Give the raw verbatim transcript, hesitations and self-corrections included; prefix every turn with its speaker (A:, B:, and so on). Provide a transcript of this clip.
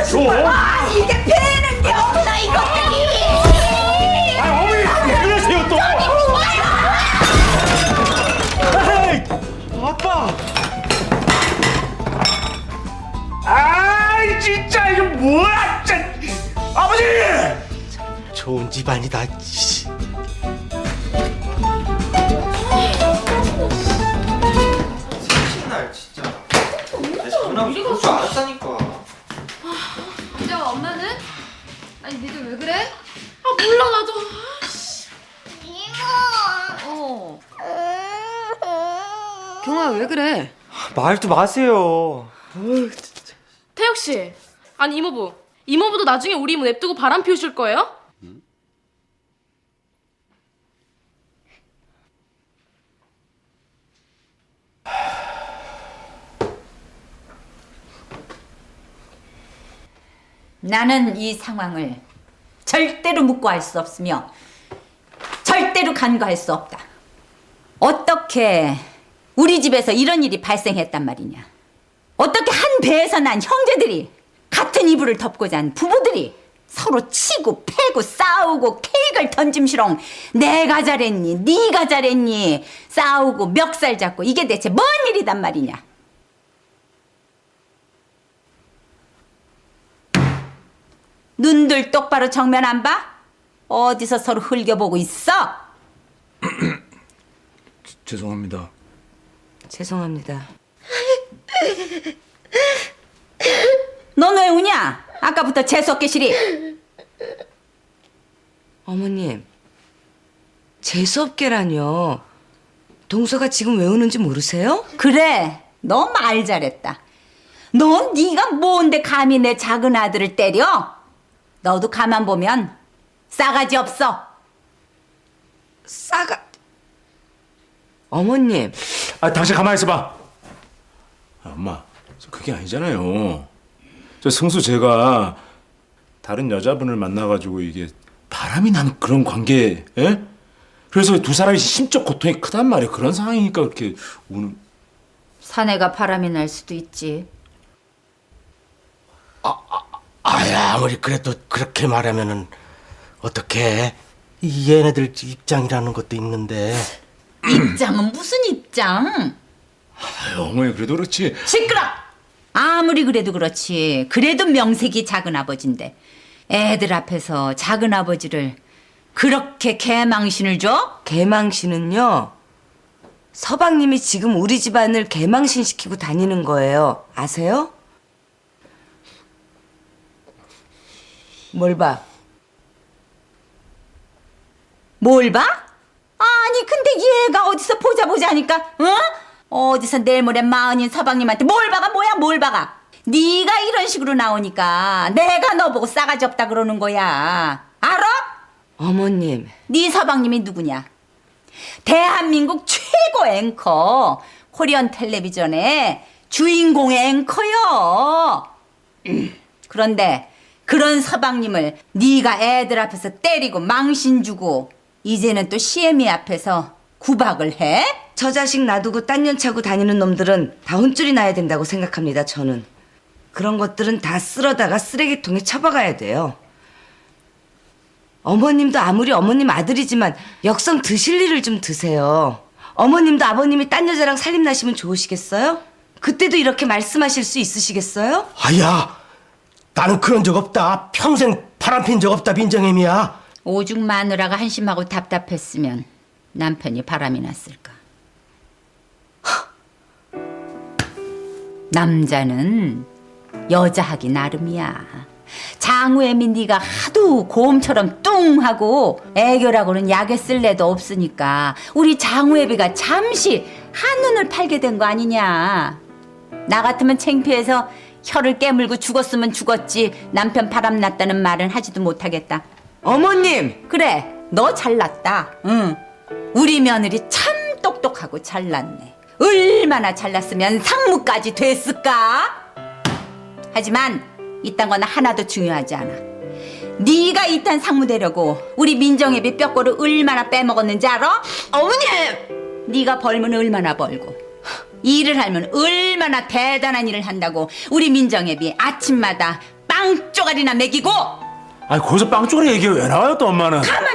A: 왜 줘?
B: 아, 이게 배는 게 없나 이것들이.
A: 아, 어머니 왜 그러세요 또? 에이, 아빠. 아이 진짜 이거 뭐야 진짜. 아버지.
C: 좋은 집안이다.
D: 날 진짜 내 장난하고 그럴 줄 알았다니까.
E: 근데 엄마는? 아니 니들 왜 그래? 아 몰라 나도. 이모. 어. 경아야 왜 그래?
D: 말도 마세요.
F: 태혁 씨, 아니 이모부, 이모부도 나중에 우리 이모 냅두고 바람 피우실 거예요?
B: 나는 이 상황을 절대로 묵고할 수 없으며 절대로 간과할 수 없다. 어떻게 우리 집에서 이런 일이 발생했단 말이냐. 어떻게 한 배에서 난 형제들이 같은 이불을 덮고 잔 부부들이 서로 치고 패고 싸우고 케이크를 던짐시렁 내가 잘했니 네가 잘했니 싸우고 멱살 잡고 이게 대체 뭔 일이단 말이냐. 눈들 똑바로 정면 안 봐? 어디서 서로 흘겨보고 있어?
A: 죄송합니다.
B: 죄송합니다. 넌 왜 우냐? 아까부터 재수없게 시리.
G: 어머님, 재수없게라뇨. 동서가 지금 왜 우는지 모르세요?
B: 그래, 너 말 잘했다. 넌 네가 뭔데 감히 내 작은 아들을 때려? 너도 가만 보면 싸가지 없어.
G: 싸가... 어머님.
A: 아, 당신 가만히 있어봐. 아, 엄마, 저 그게 아니잖아요. 저 승수 제가 다른 여자분을 만나가지고 이게 바람이 나는 그런 관계, 예? 그래서 두 사람이 심적 고통이 크단 말이에요. 그런 상황이니까 그렇게 우는.
B: 사내가 바람이 날 수도 있지.
C: 아야, 아무리 그래도 그렇게 말하면은 어떡해. 이 얘네들 입장이라는 것도 있는데.
B: 입장은 무슨 입장?
A: 아유, 어머니 그래도 그렇지.
B: 시끄러! 아무리 그래도 그렇지. 그래도 명색이 작은 아버지인데 애들 앞에서 작은 아버지를 그렇게 개망신을 줘?
G: 개망신은요, 서방님이 지금 우리 집안을 개망신시키고 다니는 거예요. 아세요? 뭘 봐?
B: 뭘 봐? 아니 근데 얘가 어디서 보자 보자 하니까 어? 어디서 내일 모레 마흔인 서방님한테 뭘 봐가 뭐야 뭘 봐가. 네가 이런 식으로 나오니까 내가 너 보고 싸가지 없다 그러는 거야. 알아?
G: 어머님.
B: 네 서방님이 누구냐? 대한민국 최고 앵커 코리안 텔레비전의 주인공의 앵커요. 그런데 그런 서방님을 네가 애들 앞에서 때리고 망신 주고 이제는 또 시애미 앞에서 구박을 해?
G: 저 자식 놔두고 딴 년 차고 다니는 놈들은 다 혼쭐이 나야 된다고 생각합니다, 저는. 그런 것들은 다 쓸어다가 쓰레기통에 처박아야 돼요. 어머님도 아무리 어머님 아들이지만 역성 드실 일을 좀 드세요. 어머님도 아버님이 딴 여자랑 살림 나시면 좋으시겠어요? 그때도 이렇게 말씀하실 수 있으시겠어요?
C: 아야, 나는 그런 적 없다. 평생 바람핀 적 없다, 민정애미야.
B: 오죽 마누라가 한심하고 답답했으면 남편이 바람이 났을까. 남자는 여자하기 나름이야. 장우애미 네가 하도 고음처럼 뚱하고 애교라고는 약에 쓸 애도 없으니까 우리 장우애비가 잠시 한눈을 팔게 된 거 아니냐. 나 같으면 창피해서 혀를 깨물고 죽었으면 죽었지 남편 바람 났다는 말은 하지도 못하겠다.
G: 어머님!
B: 그래, 너 잘났다. 응. 우리 며느리 참 똑똑하고 잘났네. 얼마나 잘났으면 상무까지 됐을까? 하지만 이딴 건 하나도 중요하지 않아. 네가 이딴 상무 되려고 우리 민정애비 뼈꼬를 얼마나 빼먹었는지 알아?
G: 어머님!
B: 네가 벌면 얼마나 벌고 일을 하면 얼마나 대단한 일을 한다고 우리 민정애비 아침마다 빵 빵 쪼가리나 먹이고
A: 아니 거기서 빵 쪼가리 얘기가 왜 나와요 또 엄마는?
B: 가만